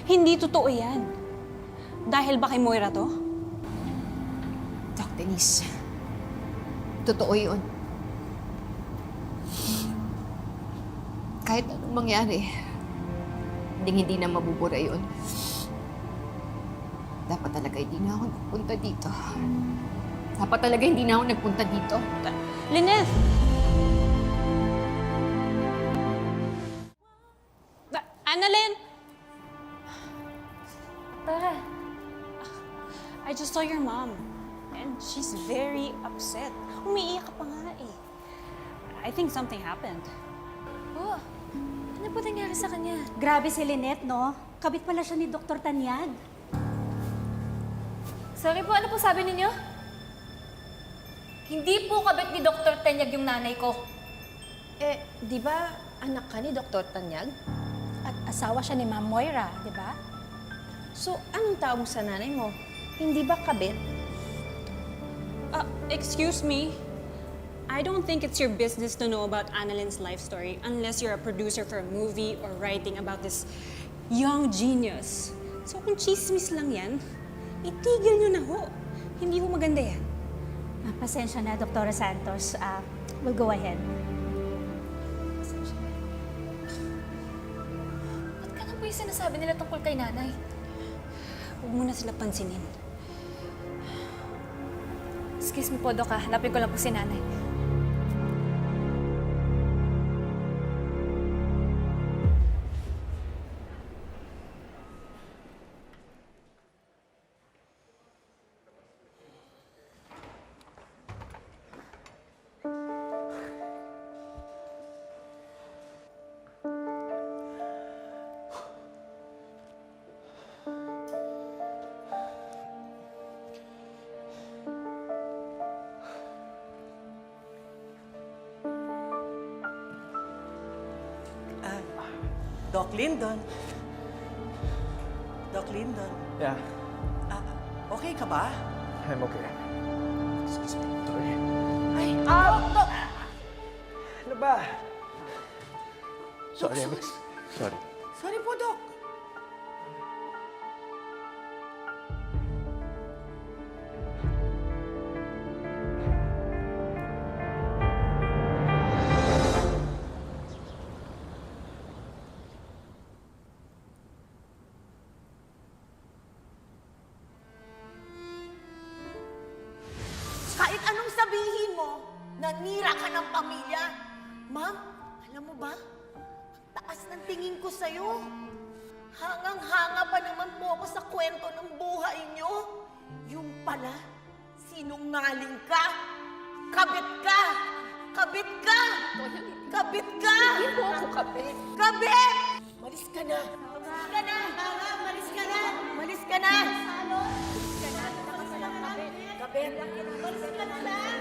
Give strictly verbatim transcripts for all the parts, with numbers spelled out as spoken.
Hindi totoo yan. Dahil ba kay Moira to? Doc Denise, totoo yun. Kahit anong mangyari, hindi hindi na mabubura yun. Dapat talaga hindi na ako nagpunta dito. Dapat talaga hindi na ako nagpunta dito. Lynette! Ba- Annalyn! Tara. I just saw your mom. And she's very upset. Umiiyak pa nga eh. I think something happened. Oh, ano po nangyari sa kanya? Grabe si Lynette, no? Kabit pala siya ni Doktor Tanyag. Sorry po, ano po sabi ninyo? Hindi po kabit ni Doktor Tanyag yung nanay ko. Eh, di ba anak ka ni Doktor Tanyag? At asawa siya ni Ma'am Moira, di ba? So, anong tawag mo sa nanay mo? Hindi ba kabit? Uh, excuse me. I don't think it's your business to know about Annalyn's life story unless you're a producer for a movie or writing about this young genius. So kung chismis lang yan, itigil nyo na ho. Hindi ho maganda yan. Ah, pasensya na, Doktora Santos. Ah, we'll go ahead. Ba't ka po yung sinasabi nila tungkol kay nanay? Huwag mo na sila pansinin. Excuse me po, Dok, ha? Hanapin ko lang po si nanay. Ah, Doc Lyndon. Doc Lyndon. Yeah, Ah, okay ka ba? I'm okay. Excuse me. Sorry. Ay, ah, Doc! Ano ba? Sorry, Alex. Sorry. Sorry po, Doc. Kahit anong sabihin mo, nanira ka ng pamilya. Ma'am, alam mo ba? Taas ng tingin ko sa'yo. Hangang-hanga pa naman po ako sa kwento ng buhay niyo. Yung pala, sinungaling ka. Kabit ka. Kabit ka. Kabit ka. Hindi po ako kabit. Kabit! Malis ka na. Malis ka na. Malis ka na. Malis ka na. Malis ka na. Kabit. Malis ka na lang.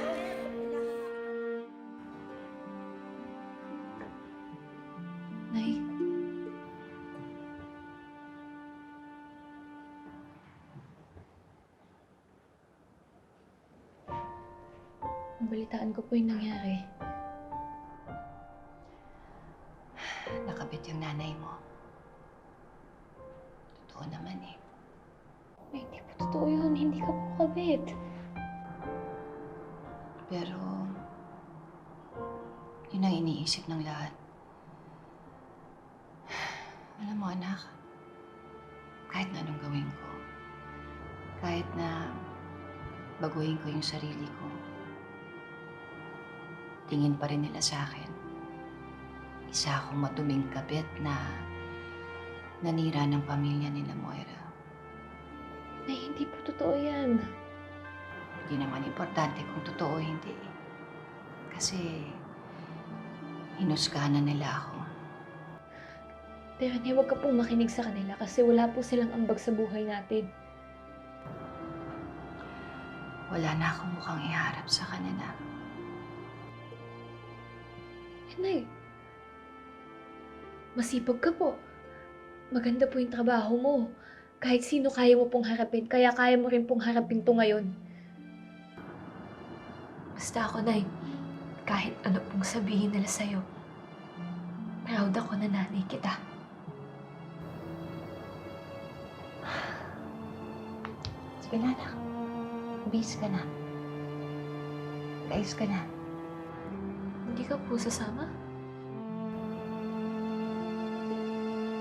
Nay? Nabalitaan ko po yung nangyari. Nakabit yung nanay mo. Totoo naman eh. Ay, hindi po totoo yun. Hindi ka po kabit. Pero, yun ang iniisip ng lahat. Alam mo, anak, kahit na anong gawin ko, kahit na baguhin ko yung sarili ko, tingin pa rin nila sa akin. Isa akong maduming kabit na nanira ng pamilya nila Moira. Nay, hindi po totoo yan. Hindi naman importante kung totoo o hindi. Kasi, hinusgahan na nila ako. Pero Nay, huwag ka pong makinig sa kanila kasi wala po silang ambag sa buhay natin. Wala na akong mukhang iharap sa kanila. Eh, Nay, masipag ka po. Maganda po yung trabaho mo. Kahit sino kaya mo pong harapin, kaya kaya mo rin pong harapin to ngayon. Basta ako, Nay, kahit ano pong sabihin nila sa'yo, proud ako na nanay kita. Sige na, anak. Bis ka na. Ayos ka na. Hindi ka po sasama?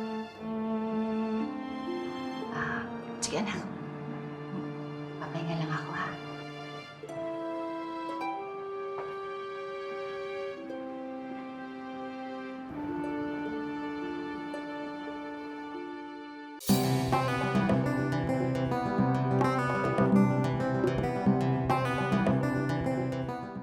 Ah, sige anak. Papahinga lang